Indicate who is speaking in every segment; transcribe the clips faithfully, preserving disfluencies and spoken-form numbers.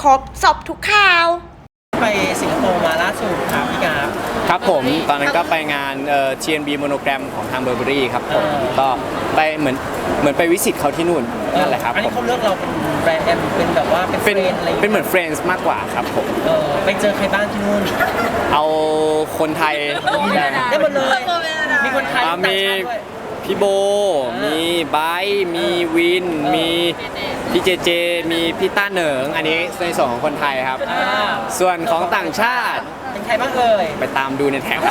Speaker 1: ครบสอบทุกข่าว
Speaker 2: ไปสิงคโปร์มาล่าสุดครับพี่กาฟ
Speaker 3: ครับผมตอนนั้นก็ไปงานเอ่อ ที เอ็น บี Monogram ของทางเบอร์เบอรี่ครับผมก็ไปเหมือนเหมือนไปวิสิตเขาที่นู่นนั่นแหละครับ
Speaker 2: อันนี้เขาเลือกเราเป็นแบรนด์แอมเป็นแบบว่าเป็นเฟรนด์อะไร
Speaker 3: เป็นเหมือนเฟรนด์มากกว่าครับผม
Speaker 2: เออไปเจอใครบ้างที่นู่น
Speaker 3: เอาคนไทย
Speaker 2: ได้หมดเลยมีคนไทย
Speaker 3: มีพี่โบมีไบร์มีวินมีพี่เจเจมีพี่ต้าเหนิงอันนี้ในส่วนของคนไทยครับส่วนของต่างชาติ
Speaker 2: เป็นใครบ้างเอ่ย
Speaker 3: ไปตามดูในแท็ก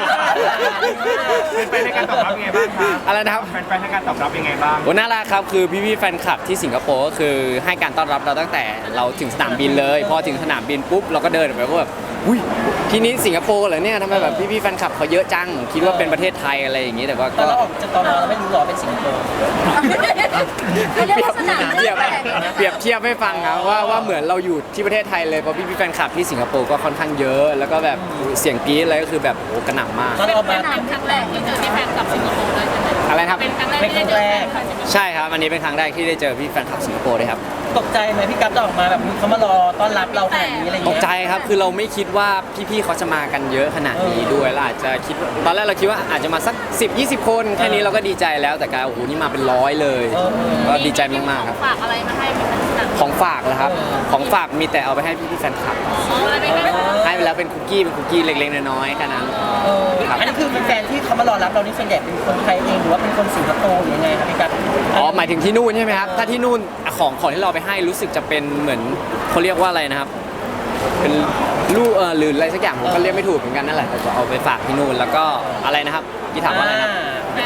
Speaker 4: เป็นไปในการตอบรับยังไงบ้างครับ
Speaker 3: อะไรนะครับ
Speaker 4: เป็นไปในการตอบรับยังไงบ้าง
Speaker 3: โอ้น่ารักครับคือพี่ๆแฟนคลับที่สิงคโปร์ก็คือให้การต้อนรับเราตั้งแต่เราถึงสนามบินเลยพอถึงสนามบินปุ๊บเราก็เดินไปก็แบบอุ้ยที่นี้สิงคโปร์เหรอเนี่ยทำไมแบบพี่ๆแฟนคลับเขาเยอะจังคิดว่าเป็นประเทศไทยอะไรอย่างงี้แต่ว่า
Speaker 2: ก็เราออกจากตอนเราไม่รู้หรอเป็นสิงคโปร์
Speaker 3: เปรียบเทียบเปรียบเทียบให้ฟังครับว่าว่าเหมือนเราอยู่ที่ประเทศไทยเลยเพราะพี่ๆแฟนคลับที่สิงคโปร์ก็ค่อนข้างเยอะแล้วก็แบบเสียงกรี๊ดอะไรก็คือแบบโอ้กระหน่ำมาก
Speaker 2: เราออกมา
Speaker 5: เป็นครั้งแรกที่เจอที่แฟนคลับสิงคโปร์เลยใช่ไหม
Speaker 3: อะไรครับ
Speaker 5: เป็นครั้งแรกที่ได้เจอแฟนคลับสิงคโปร์
Speaker 3: ใช่ครับอันนี้เป็นครั้งแรกที่ได้เจอพี่แฟนคลับสิงคโปร์เลยครับ
Speaker 2: ตกใจไหมพี่กัฟจะออกมาแบบเขามารอต้อนรับเราขนาดนี้อะไรอย่าง
Speaker 3: ต
Speaker 2: เงี้
Speaker 3: ยตกใจครับคือเราไม่คิดว่าพี่ๆเขาจะมากันเยอะขนาดนี้ด้วยเราอาจจะคิดตอนแรกเราคิดว่าอาจจะมาสักสิบ ยี่สิบคนแค่นี้เราก็ดีใจแล้วแต่กลายโอ้โหนี่มาเป็นร้อยเลยก็ดีใจมากๆครับ
Speaker 5: ฝากอะไรมาให้เป็นหนัง
Speaker 3: ของฝากนะครับของฝากมีแต่เอาไปให้พี่ๆแฟนคลับให้ไปแล้วเป็นคุกกี้เป็นคุกกี้เล็กๆน้อยๆแค่นั้น
Speaker 2: อันนี้คือแฟนที่เขามารอรับเรานี่ส่วนใหญ่เป็นคนไทยเองหรือว่าเป็นคนสิงคโปร์หรือยังไงครับพี่กัฟ
Speaker 3: อ๋อหมายถึงที่นู่นใช่ไหมครับถ้าที่นู่นของของที่เราไปให้รู้สึกจะเป็นเหมือนเขาเรียกว่าอะไรนะครับเป็นลูกเออหรืออะไรสักอย่างผมก็เรียกไม่ถูกเหมือนกันนั่นแหละแต่ก็เอาไปฝากที่นู่นแล้วก็อะไรนะครับที่ถามว่าอะไรครับ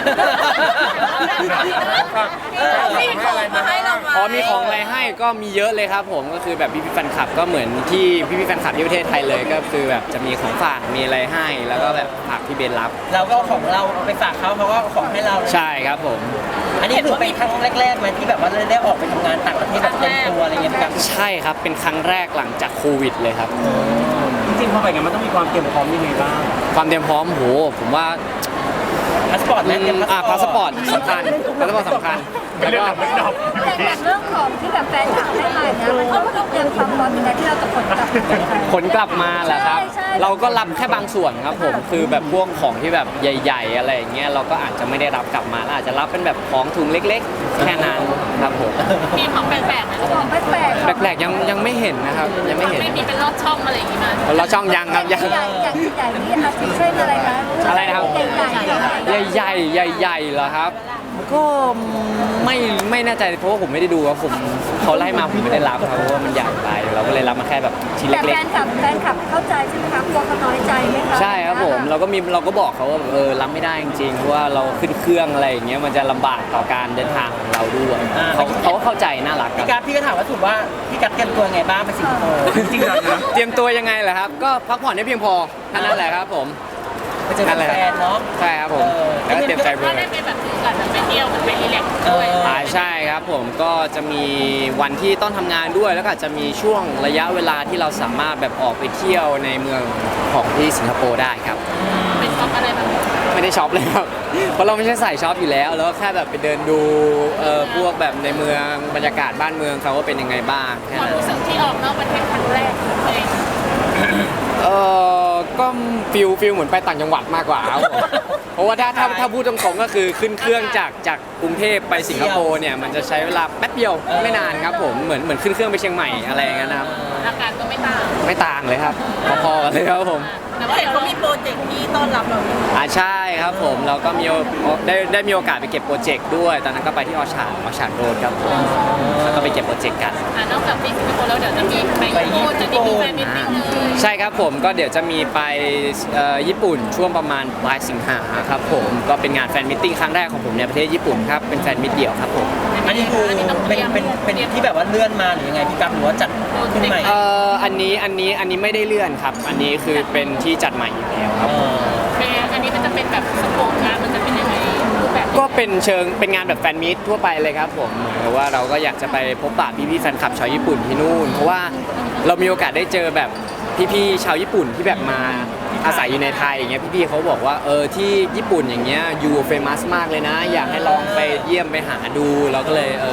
Speaker 5: มีของมาให้เราไหม
Speaker 3: อ๋อมีของอะไรให้ก็มีเยอะเลยครับผมก็คือแบบพี่พี่แฟนคลับก็เหมือนที่พี่พี่แฟนคลับที่ประเทศไทยเลยก็คือแบบจะมีของฝากมีอะไรให้แล้วก็แบบฝากพี่เบนรับ
Speaker 2: เราก็ของเราไปฝากเขาเขาก็ของให้เรา
Speaker 3: ใช่ครับผม
Speaker 2: อันนี้ถือเป็นครั้งแรกๆไหมที่แบบว่าได้ออกไปทำงานต่างประเทศแบบเต็มตัวอะไรเงี้ยครับ
Speaker 3: ใช่ครับเป็นครั้งแรกหลังจากโควิดเลยครับ
Speaker 4: จริงๆพอไปกันมันต้องมีความเตรียมพร้อมยังไงบ้าง
Speaker 3: ความเตรียมพร้อมโหผมว่า
Speaker 2: พาสปอร์ตไหมเตรียม
Speaker 3: อ่าพาสปอร์ตสำคัญพาสปอร์ตสำคัญแล้วก็
Speaker 5: แต่เรื่องของที่แบบแฟนคลับให้มาเนี่ยมันก็ต้องเตรียมความพร้อมในการที่เราจะขนกลับ
Speaker 3: ขนกลับมาแหละครับเราก็รับแค่บางส่วนครับผมคือแบบพวกของที่แบบใหญ่ๆอะไรอย่างเงี้ยเราก็อาจจะไม่ได้รับกลับมาอาจจะรับเป็นแบบของถุงเล็กๆแค่นั้นครับผม
Speaker 5: มีของแปลกๆไหมของแปลก
Speaker 3: ๆแปลกๆยังยังไม่เห็นนะครับยังไม่เห็น
Speaker 5: ไม่มีเป็นรอบช่องอะไรอย่างงี้มั้ย
Speaker 3: รอบช่องยังครับยัง
Speaker 5: ใหญ่ใหญ่ใหญ่นี่อาทิเช่นอะไรคะ
Speaker 3: อะไรนะครับใหญ่ใหญ่ใหญ่ใหญ่เหรอครับก็ไม่ไม่แน่ใจเพราะว่าผมไม่ได้ดูครับผมเขาไล่มาผมไม่ได้รับครับเพราะว่ามันใหญ่ไปเราก็เลยรับมาแค่แบบชิ้นเล็กๆแต่
Speaker 5: แฟนคลับแฟนคลับเข้าใจใช่ไหมครับกลัวเขาน้อยใจไหมคะ
Speaker 3: ใช่ครับผมเราก็มีเราก็บอกเขาว่าเออรับไม่ได้จริงๆเพราะว่าเราขึ้นเครื่องอะไรอย่างเงี้ยมันจะลำบากต่อการเดินทางของเราด้วยเขาเขาก็เข้าใจน่ารัก
Speaker 2: พี่กัฟพี่ก็ถามว่าถูกว่าพี่กัฟเตรียมตัวไงบ้างไปสิงคโปร์
Speaker 3: จริงๆเตรียมตัวยังไงเหรอครับก็พักผ่อนให้เพียงพอแค่นั้นแหละครับผม
Speaker 2: ไปเจอแฟนเนาะ
Speaker 3: ใช่ครับผมแล้วก็เตรียมใจเพื่อ
Speaker 5: ได้ไปแบบถือกันไปเที่ยวกันไปรีแลกซ์ด้วย
Speaker 3: อ่าใช่ครับผมก็จะมีวันที่ต้องทำงานด้วยแล้วก็จะมีช่วงระยะเวลาที่เราสามารถแบบออกไปเที่ยวในเมืองของที่สิงคโปร์ได้ครับ
Speaker 5: เป็นช็อปอะไรแบบ
Speaker 3: ไม่ได้ช็อปเลยครับเพราะเราไม่ใช่สายช็อปอยู่แล้วแล้วแค่แบบไปเดินดูเอ่อพวกแบบในเมืองบรรยากาศบ้านเมืองเขาว่าเป็นยังไงบ้าง
Speaker 5: ความรู้สึกที่ออกนอกประเทศครั้งแรกเอง
Speaker 3: เออก็ฟิลฟิลเหมือนไปต่างจังหวัดมากกว่าครับเพราะว่าถ้าถ้าถ้าพูดตรงๆก็คือขึ้นเครื่องจากจากกรุงเทพไปสิงคโปร์เนี่ยมันจะใช้เวลาแป๊บเดียวไม่นานครับผมเหมือนเหมือนขึ้นเครื่องไปเชียงใหม่อะไรอย่างเงี้ยนะครับ
Speaker 5: อาการก็ไม่ต่าง
Speaker 3: ไม่ต่างเลยครับพอๆกันเลยครับผม
Speaker 5: แต่ว่าเห็นเขามีโปรเจกต์ที่ต้อนรับเรา
Speaker 3: อ่าใช่ครับผมเราก็มีได้ได้มีโอกาสไปเก็บโปรเจกต์ด้วยตอนนั้นก็ไปที่ออชาร์ดออชาร์ดโรดครับผมแล้วก็ไปเก็บโปรเจกต์กัน
Speaker 5: นอกจากที่สิงคโปร์แล้วเดี๋ยวจะมีไปญี่ปุ่นจะมีแฟนมิตติ้ง
Speaker 3: ใช่ครับผมก็เดี๋ยวจะมีไปญี่ปุ่นช่วงประมาณปลายสิงหาครับผมก็เป็นงานแฟนมิตติ้งครั้งแรกของผมในประเทศญี่ปุ่นครับเป็นแฟนมิตเดี่ยวครับผม
Speaker 2: อันนี้คือเป็นเป็นเป็นที่แบบว่าเลื่อนมาหรือยังไงพี่กัฟหรือว่าจัดขึ้นใหม่
Speaker 3: เอ่ออันนี้อันนี้อันนี้ไม่ได้เลื่อนครับอันนี้คือเป็นที่จัดใหม่อยู่แล้วครับ
Speaker 5: อันนี้มันจะเป็นแบบสโคปงานมันจะเป็นยังไงรูปแบบ
Speaker 3: ก็เป็นเชิงเป็นงานแบบแฟนมิตทั่วไปเลยครับผมเพราะว่าเราก็อยากจะไปพบปะพี่ๆแฟนคลับชาวญี่ปุ่นที่นู่นเพราะว่าเรามีโอกาสได้เจอแบบพี่ๆชาวญี่ปุ่นที่แบบมาอาศัยอยู่ในไทยอย่างเงี้ยพี่ๆเขาบอกว่าเออที่ญี่ปุ่นอย่างเงี้ยยูเฟมัสมากเลยนะอยากให้ลองไปเยี่ยมไปหาดูเราก็เลยเออ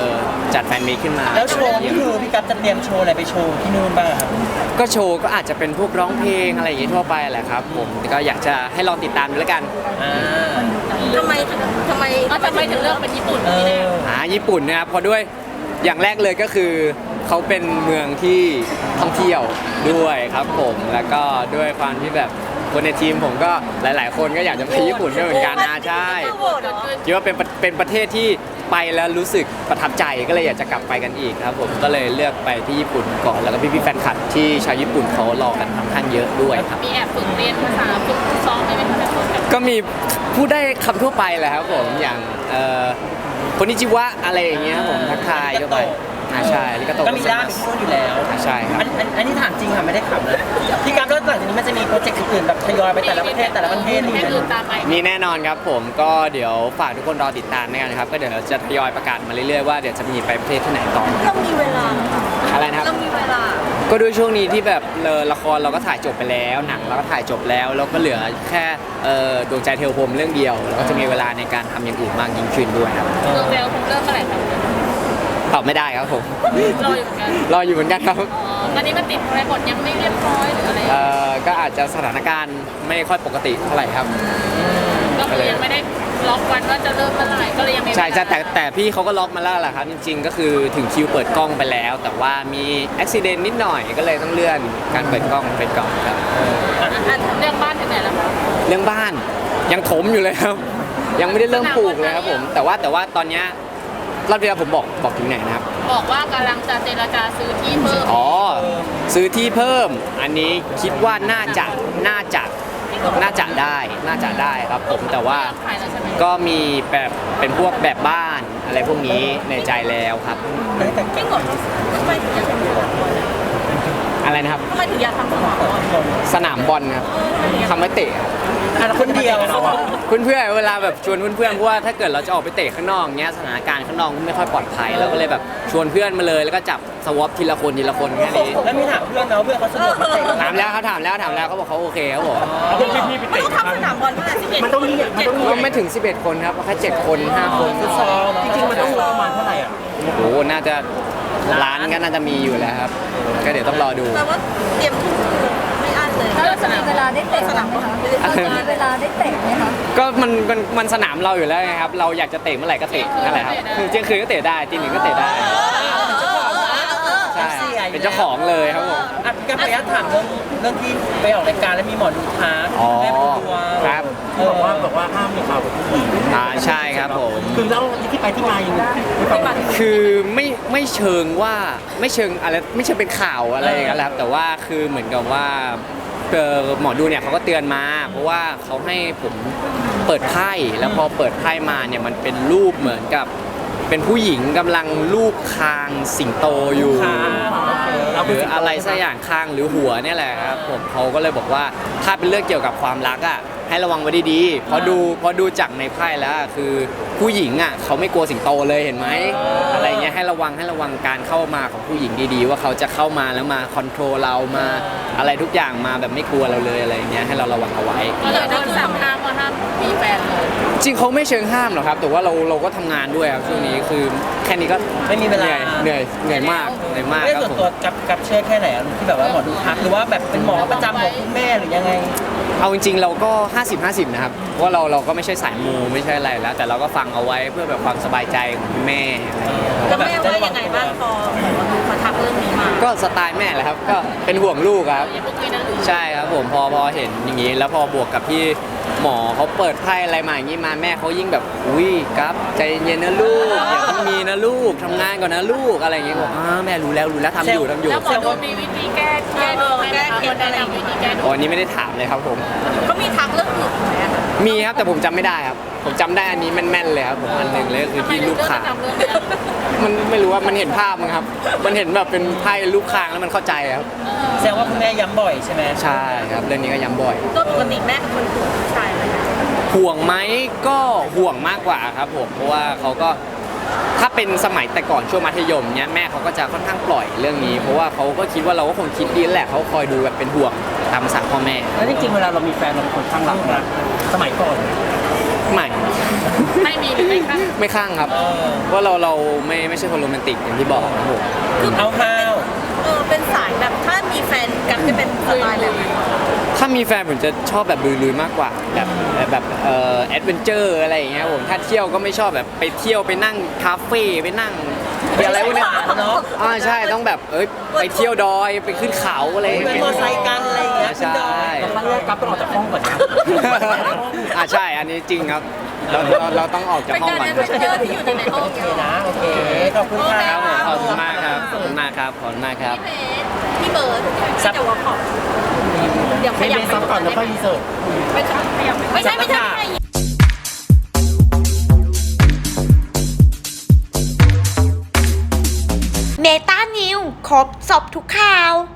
Speaker 3: จัดแฟนมีตขึ้นมา
Speaker 2: แล้วโชว์นี่คือพี่กัปจะเตรียมโชว์อะไรไปโชว์ที่นู่นบ้างครับ
Speaker 3: ก็โชว์ก็อาจจะเป็นพวกร้องเพลงอะไรอย่างงี้ทั่วไปแหละครับผมแต่ก็อยากจะให้ลองติดตามดูแล้วกัน
Speaker 2: อ่า
Speaker 5: ทำไมถึงทำไมทำไมถึงเลือกเป็นญี่ปุ่น
Speaker 2: เออ
Speaker 3: อ่าญี่ปุ่นนะครับเพราะด้วยอย่างแรกเลยก็คือเขาเป็นเมืองที่ท่องเที่ยวด้วยครับผมแล้วก็ด้วยความที่แบบคนในทีมผมก็หลาย ๆ คนก็อยากจะไปญี่ปุ่นด้วยเหมือนกันนะใช่คิดว่าเป็นประเป็นประเทศที่ไปแล้วรู้สึกประทับใจก็เลยอยากจะกลับไปกันอีกครับผมก็เลยเลือกไปที่ญี่ปุ่นก่อนแล้วก็พี่ๆแฟนคลับที่ชาวญี่ปุ่นเขารอกันค่อนข้างเยอะด้วยครับ
Speaker 1: มีแอบฝึกเรียนภาษาฝึกซ้อมได้ไหมคะแบบ
Speaker 3: ก็มีพูดได้คำทั่วไปแหละครับผมอย่างเอ่อคนนิจิวะอะไรอย่างเงี้ยครับผมทักทายทั่วไปอ่าใช่ลิกาโตะ
Speaker 2: ก็มีด้านที่นู่นอยู่แล้ว
Speaker 3: อ่าใช่ครับ
Speaker 2: อันอันอันนี้ถามจริงค่ะไม่ได้ขำนะพี่กัปแล้วหลังจากนี้มันจะมีโปรเจกต์อื่นๆแบบทยอยไปแต่ละประเทศแต่ละประเทศ
Speaker 1: ประ
Speaker 2: นี่
Speaker 1: เทศอื่นตามไป
Speaker 3: มีแน่นอนครับผมก็เดี๋ยวฝากทุกคนรอติดตามด้วยกันนะครับก็เดี๋ยวเราจะทยอยประกาศมาเรื่อยๆว่าเดี๋ยวจะมีไปประเทศที่ไหนต่อ
Speaker 5: เรามีเวลา
Speaker 3: อะไรนะครับ
Speaker 5: เรามีเวลา
Speaker 3: ก็ด้วยช่วงนี้ที่แบบเลอละครเราก็ถ่ายจบไปแล้วหนังเราก็ถ่ายจบแล้วแล้วก็เหลือแค่เอ่อดวงใจเทวพรหมเรื่องเดียวเราก็จะมีเวลาในการทำอย่างอื่นมากยิ่งขึ้นด้วยครับ
Speaker 1: เรื่องเร็วผมเริ่มเมื่อไหร่ครับ
Speaker 3: ตอบไม่ได้ครับผม
Speaker 1: รออยู่เหมือนกัน
Speaker 3: รออยู่เหมือนกันครับ
Speaker 1: อ๋อตอนนี้มันติดอะไรบทยังไม่เรียบร้อยหรืออะไร
Speaker 3: เอ่อก็อาจจะสถานการณ์ไม่ค่อยปกติเท่าไหร่ครับ
Speaker 1: ก็คือยังไม่ได้ล็อกวันว่าจะเริ่มเมื่อไหร่ก็เลยยังไม่
Speaker 3: ใช่ใช่แต่แต่พี่เขาก็ล็อกมาแล้วแหละครับจริงๆ ก็คือถึงคิวเปิดกล้องไปแล้ว แต่ว่ามีอุบิเหตุนิดหน่อยก็เลยต้องเลื่อนการเปิดกล้องไปก่อนครับ
Speaker 1: เรื่องบ้านถึงไหนแล้วคะ
Speaker 3: เรื่องบ้านยังถมอยู่เลยครับ ยังไม่ได้เริ่มปลูกเลยครับผมแต่ว่าแต่ว่าตอนเนี้ยรอบที่แล้วผมบอกบอกถึงไหนนะครับ
Speaker 1: บอกว่ากำลังจะเจรจาซื้อที่เพิ่ม
Speaker 3: อ๋อซื้อที่เพิ่ม อันนี้คิดว่าน่าจะน่าจะน่าจะได้น่าจะได้ครับผมแต่ว่า
Speaker 1: ขายแล้วใช่ไหม
Speaker 3: ก็มีแบบเป็นพวกแบบบ้านอะไรพวกนี้ในใจแล้วครับ
Speaker 2: แต่
Speaker 5: จริงเหรอทำไมถึงอยากทำสนามบอล
Speaker 3: อะไรนะครับ
Speaker 5: ทำไมถึงอยากทำสนามบอล
Speaker 3: สนามบอลครับทำไว้เตะครับ
Speaker 2: อ่ะคนเดียว
Speaker 3: เพื่อนๆเวลาแบบชวนเพื่อนๆเพราะว่าถ้าเกิดเราจะออกไปเตะข้างนอกเงี้ยสถานการณ์ข้างนอกไม่ค่อยปลอดภัยเราก็เลยแบบชวนเพื่อนมาเลยแล้วก็จับสวอปทีละคนทีละคนแค่นี้
Speaker 2: แล้วมีถามเพื่อนนะว่าเพื่อนเขาสะดวกมาเตะ
Speaker 3: ถามแล้วเขาถามแล้วถามแล้วเขาบอกเขาโอเคเขาบอก
Speaker 4: เอาพวกพี่ๆไป
Speaker 5: ไม่
Speaker 4: เตะ
Speaker 5: ต้องทำสนามบอลเท่าไหร่สิบเอ็ด
Speaker 4: มันต้องมีมันต้องมี
Speaker 3: ก็ไม่ถึงสิบเอ็ดคนครับแค่เจ็ดคนห้าคน
Speaker 2: ฟุตซอล
Speaker 4: จริงๆมันต้องงบประมาณเท่าไหร่อ่ะ
Speaker 3: โอ้โหน่าจะร้านก็น่าจะมีอยู่แล้วครับก็เดี๋ยวต้องรอดู
Speaker 5: แปลว่าเตรียมทุกไม่อั้นเลย
Speaker 1: ถ้าเราจะมีเวลาได้เตะ
Speaker 5: สนามบอลเราจะมีเวลาได้เตะไหมคะ
Speaker 3: ก็มันมันมันสนามเราอยู่แล้วไงครับเราอยากจะเตะเมื่อไหร่ก็เตะนั่นแหละครับคือเที่ยงคืนก็เตะได้ตีหนึ่งก็เตะได้ใช่เป็นเจ้าของเลยครับผม
Speaker 2: อ่ะพี่กัปไปยัดถามเรื่องเรื่องที่ไปออกรายการแล้วมีหมอดูทัก
Speaker 3: อ๋อ
Speaker 2: แม่เป็นตัว
Speaker 3: ครับ
Speaker 2: เอ
Speaker 4: ที่
Speaker 2: อ
Speaker 4: บอกว่าบอกว่าห้ามมีข่าวกับผู้หญิง
Speaker 3: อ่าใช่ครับผม
Speaker 4: คือแล้วที่ไปที่มายังไงไม่ฟัง
Speaker 3: คือไม่ไม่เชิงว่าไม่เชิงอะไรไม่เชิงเป็นข่าวอะไรอย่างเงี้ยแหละครับแต่ว่าคือเหมือนกับว่าเอ่อหมอดูเนี่ยเขาก็เตือนมา เพราะว่าเขาให้ผมเปิดไพ่แล้วพอเปิดไพ่มาเนี่ยมันเป็นรูปเหมือนกับเป็นผู้หญิงกำลังลูบคางสิงโตอยู่ หรืออะไรสักอย่างข้างหรือหัวเนี่ยแหละครับผมเขาก็เลยบอกว่าถ้าเป็นเรื่องเกี่ยวกับความรักอ่ะให้ระวังไว้ดีๆเพราะดูเพราะดูจากในไพ่แล้วอะคือผู้หญิงอ่ะเขาไม่กลัวสิงโตเลยเห็นไหมอะไรเงี้ยให้ระวังให้ระวังการเข้ามาของผู้หญิงดีๆ ว่าเขาจะเข้ามาแล้วมาคอนโทรลเรามาอะไรทุกอย่างมาแบบไม่กลัวเราเลยอะไรเงี้ยให้เราระวังเอาไว้
Speaker 1: ก็เลยโดนสั่งห้ามว่าห้ามมีแฟนเลย
Speaker 3: จริงเขาไม่เชิงห้ามหรอกครับแต่ว่าเราเราก็ทำงานด้วยครับช่วงนี้คือแค่นี้ก็
Speaker 2: ไม่มีเว
Speaker 3: เห
Speaker 2: ลา
Speaker 3: นื่อยเหนื่อยเหนื่อยมากเหนื่อยมาก
Speaker 2: ไม่
Speaker 3: ครับ
Speaker 2: ส่วน
Speaker 3: ผม
Speaker 2: ตัวกับกับเชื่อแค่ไหนอะที่แบบว่าหมอดูทักหรือว่าแบบเป็นหมอประจำของคุณแม่หรือยังไง
Speaker 3: เอาจริงๆเราก็ ห้าสิบ ห้าสิบ นะครับเพราะว่าเราเราก็ไม่ใช่สายมูไม่ใช่อะไรแล้ว แต่เราก็ฟังเอาไว้เพื่อแบบความสบายใจของคุณแม่อะไรอย่างเงี้ย
Speaker 5: แล้วแม่ว่ายังไงบ้างพอมาทักเรื่องนี้มา
Speaker 3: ก็สไตล์แม่แหละครับก็เป็นห่วงลูกครับ
Speaker 1: อย่าเพิ่งคุยนะหรือ
Speaker 3: ใช่ครับผมพอพอเห็นอย่างนี้ แล้วพอบวกกับที่หมอเขาเปิดไพ่อะไรมาอย่างนี้มาแม่เขายิ่งแบบอุ้ยครับใจเย็นนะลูกอย่าเพิ่งมีนะลูกทำงานก่อนนะลูกอะไรอย่างเงี้ยบอกอ่าแม่รู้แล้วรู้แล้วทำอยู่ทำอยู่
Speaker 1: แล้วหมอดูมีวิธีแก้แก้ดูไหมคะคนแนะนำวิธีแก้ดู
Speaker 3: อ๋ออันนี้ไม่ได้ถามเลยครับผม
Speaker 5: ก็มีทักเรื่องอื่นไหมอะ
Speaker 3: มีครับแต่ผมจำไม่ได้ครับผมจำได้อันนี้แม่นๆเลยครับผมอันหนึ่งเลยก็คือ
Speaker 1: ทำไม
Speaker 3: ที่
Speaker 1: ถึ
Speaker 3: ลู
Speaker 1: ง
Speaker 3: ก
Speaker 1: เลือก
Speaker 3: ขา
Speaker 1: จะจำเรื่องนี้
Speaker 3: มันไม่รู้ว่ามันเห็นภาพมั้งครับ มันเห็นแบบเป็นไพ่ลูกคางแล้วมันเข้าใจครับ
Speaker 2: แสดงว่าคุณแม่ย้ำบ่อยใช่ไหม
Speaker 3: ใช่ครับเรื่องนี้ก็ย้ำบ่อย
Speaker 5: ก็ปกติแม่เป็นคนถูกผู้ชายไหมคะ
Speaker 3: ห่วงไหมก็ห่วงมากกว่าครับผมเพราะว่าเขาก็ถ้าเป็นสมัยแต่ก่อนช่วงมัธยมเนี้ยแม่เขาก็จะค่อนข้างปล่อยเรื่องนี้ เพราะว่าเขาก็คิดว่าเราก็คงคิดดีแหละเขาคอยดูแบบเป็นห่วงตามภาษาพ่อแม่
Speaker 4: แล้วจริงๆเวลาเรามีแฟนเราเป็นคนข้างรักนะสมัยก่อน
Speaker 3: ใหม่
Speaker 1: ไม่มีหรือไม่ค่ะ
Speaker 3: ไม่ข้างครับ
Speaker 2: เออ
Speaker 3: เพราะเราเราไม่ไม่ใช่คนโรแมนติกอย่างที่บอกครับผม
Speaker 2: เอาข้าว
Speaker 6: เออเป็นสายแบบถ้ามีแฟนกันจะเป็นสไตล์แบบไหน
Speaker 3: ถ้ามีแฟนผมจะชอบแบบลุยๆมากกว่าแบบแบบเอ่อแอดเวนเจอร์อะไรอย่างเงี้ยครับผมถ้าเที่ยวก็ไม่ชอบแบบไปเที่ยวไปนั่งคาเฟ่ไปนั่งไปอะไรพวกเนี้ย
Speaker 2: เนาะ
Speaker 3: อ่าใช่ต้องแบบเอ้ยไปเที่ยวดอยไปขึ้นเขาอะไรอย่าง
Speaker 2: เป็น
Speaker 3: เงี้ย
Speaker 2: มอไซค์กันอะไรอย่างเงี้ย
Speaker 3: ใช่
Speaker 4: แต่ครั้งแรกกับต้องออกจากห้องก่อนนะ
Speaker 3: อ่าใช่อันนี้จริงครับเราเราเราต้องออกจาก
Speaker 6: เป็น
Speaker 3: ห้อง
Speaker 6: การ
Speaker 3: ก่อน
Speaker 6: แอดเวนเจอร์ที่อยู่ในห้อง
Speaker 2: โอเคนะโอเคขอบคุณค
Speaker 3: ค
Speaker 2: รั
Speaker 3: รั
Speaker 2: บบ
Speaker 3: ผมขอบคุณมากครับขอบคุณมากครับขอบคุณมากครับ
Speaker 6: พี่เบสพี่เบิร์ดที่จะวอล์กขอบเดี๋ยวข
Speaker 4: ให้
Speaker 6: ยั
Speaker 4: เบ
Speaker 6: บ
Speaker 4: สซับก่อนแล้วค่อยรีเสิร์ช
Speaker 6: ไม่ใช่ไม่ใช่ไม่ใช่
Speaker 7: เมตานิวครบสอบทุกข่าว